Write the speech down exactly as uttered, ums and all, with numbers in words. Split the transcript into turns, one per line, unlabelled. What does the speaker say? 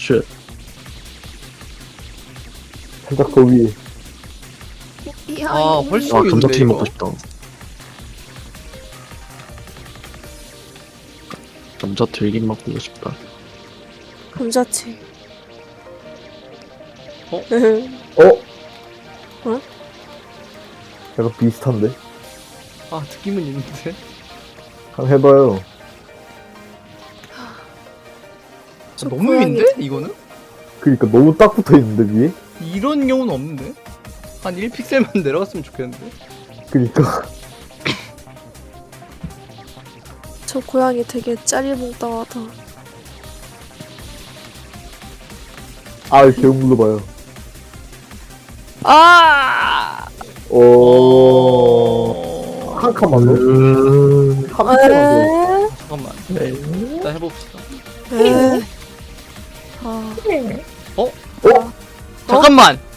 쉣.
살짝 더 위에.
야,
아,
이거
훨씬
아
이거
감자튀김
이거?
먹고 싶다. 감자튀김 먹고 싶다.
감자채.
어?
어?
어?
약간 비슷한데?
아, 느낌은 있는데.
한번 해봐요.
저
너무
고양이
위인데? 이거는?
그니까 너무 딱 붙어있는데 위에?
이런 경우는 없는데? 한 일 픽셀만 내려갔으면 좋겠는데?
그니까
저 고양이 되게 짜리몽땅하다.
아 계속 눌러봐요.
아!
오.
어...
한 칸만 더?
음...
한 칸만
에?
잠깐만.
네.
일단 해봅시다.
에? 아.
어?
더. 어?
잠깐만!